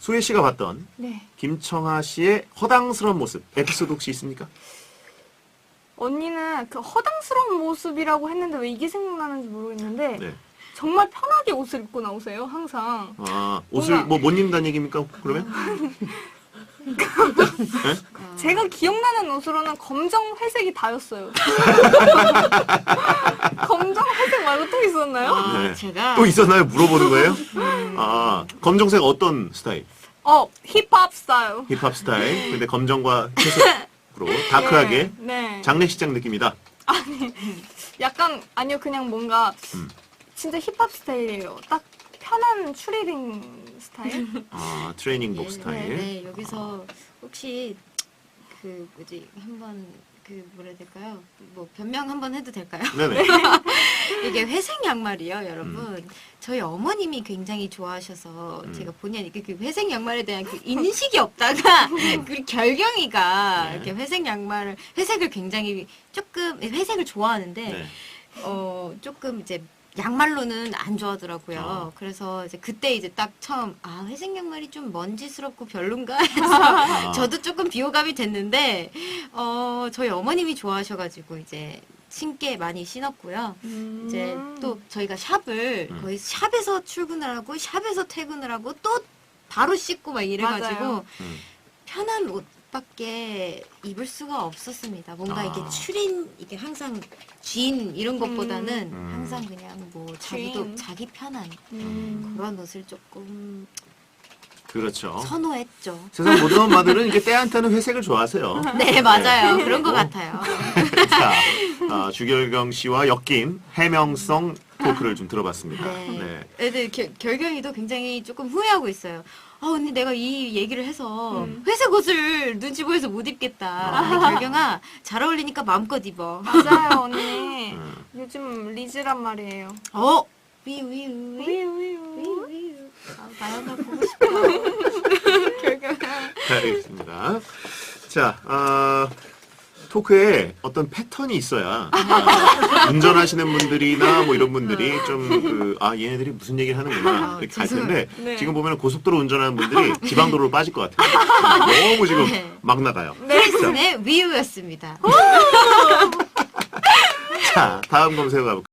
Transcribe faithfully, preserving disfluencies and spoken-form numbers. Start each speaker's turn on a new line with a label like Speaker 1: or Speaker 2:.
Speaker 1: 소혜 씨가 봤던
Speaker 2: 네.
Speaker 1: 김청아 씨의 허당스러운 모습 에피소드 혹시 있습니까?
Speaker 2: 언니는 그 허당스러운 모습이라고 했는데 왜 이게 생각나는지 모르겠는데
Speaker 1: 네.
Speaker 2: 정말 편하게 옷을 입고 나오세요. 항상.
Speaker 1: 아, 옷을
Speaker 2: 뭔가-
Speaker 1: 뭐 못 입는다는 얘기입니까? 그러면?
Speaker 2: 제가 기억나는 옷으로는 검정, 회색이 다였어요. 검정, 회색 말고 또 있었나요?
Speaker 3: 아,
Speaker 1: 네.
Speaker 3: 제가
Speaker 1: 또 있었나요? 물어보는 거예요? 아, 검정색 어떤 스타일?
Speaker 2: 어, 힙합 스타일.
Speaker 1: 힙합 스타일. 근데 검정과 회색으로 다크하게
Speaker 2: 네. 네.
Speaker 1: 장례식장 느낌이다.
Speaker 2: 약간 아니요 그냥 뭔가
Speaker 1: 음.
Speaker 2: 진짜 힙합 스타일이에요. 딱 편한 추리닝 스타일.
Speaker 1: 아, 트레이닝복
Speaker 3: 예,
Speaker 1: 스타일.
Speaker 3: 네, 네, 여기서 혹시 그 뭐지 한번 그 뭐라 해야 될까요? 뭐 변명 한번 해도 될까요?
Speaker 1: 네네.
Speaker 3: 이게 회색 양말이요, 여러분. 저희 어머님이 굉장히 좋아하셔서
Speaker 1: 음.
Speaker 3: 제가 본의 아니게 그 회색 양말에 대한 그 인식이 없다가 그 결경이가
Speaker 1: 네.
Speaker 3: 이렇게 회색 양말을 회색을 굉장히 조금 회색을 좋아하는데
Speaker 1: 네.
Speaker 3: 어 조금 이제 양말로는 안 좋아하더라고요.
Speaker 1: 어.
Speaker 3: 그래서 이제 그때 이제 딱 처음 아 회색 양말이 좀 먼지스럽고 별론가 해서
Speaker 1: 아.
Speaker 3: 저도 조금 비호감이 됐는데 어 저희 어머님이 좋아하셔가지고 이제 신게 많이 신었고요.
Speaker 2: 음.
Speaker 3: 이제 또 저희가 샵을
Speaker 1: 음.
Speaker 3: 거의 샵에서 출근을 하고 샵에서 퇴근을 하고 또 바로 씻고 막 이래가지고
Speaker 2: 맞아요.
Speaker 1: 음.
Speaker 3: 편한 옷밖에 입을 수가 없었습니다. 뭔가
Speaker 1: 아.
Speaker 3: 이게 추린 이게 항상 쥔 이런 것보다는
Speaker 1: 음.
Speaker 3: 항상 그냥 뭐 자기도
Speaker 2: 쥔.
Speaker 3: 자기 편한
Speaker 2: 음.
Speaker 3: 그런 옷을 조금
Speaker 1: 그렇죠.
Speaker 3: 선호했죠.
Speaker 1: 세상 모든 엄마들은 이렇게 때한테는 회색을 좋아하세요.
Speaker 3: 네 맞아요.
Speaker 1: 네.
Speaker 3: 그런 것
Speaker 1: 어.
Speaker 3: 같아요.
Speaker 1: 자, 아, 주결경 씨와 엮인 해명성 토크를 좀 들어봤습니다.
Speaker 3: 네.
Speaker 1: 네.
Speaker 3: 애들 겨- 결경이도 굉장히 조금 후회하고 있어요. 아 언니 내가 이 얘기를 해서
Speaker 2: 음.
Speaker 3: 회색 옷을 눈치 보여서 못 입겠다. 근데 결경아 잘 어울리니까 마음껏 입어.
Speaker 2: 맞아요 언니.
Speaker 1: 음.
Speaker 2: 요즘 리즈란 말이에요.
Speaker 3: 어 위위위
Speaker 2: 위위위.
Speaker 3: 위위. 아 나연아 보고 싶다. 결경아.
Speaker 1: 알겠습니다. 자, 아, 토크에 어떤 패턴이 있어야 아, 운전하시는 분들이나 뭐 이런 분들이 좀 그, 아, 얘네들이 무슨 얘기를 하는구나
Speaker 3: 아,
Speaker 1: 이렇게 할
Speaker 3: 죄송해요.
Speaker 1: 텐데
Speaker 2: 네.
Speaker 1: 지금 보면 고속도로 운전하는 분들이 지방도로로 빠질 것 같아요. 너무 지금
Speaker 3: 네.
Speaker 1: 막 나가요.
Speaker 3: 프리슨의 위유였습니다.
Speaker 1: 자, 다음 검색어 가볼게요.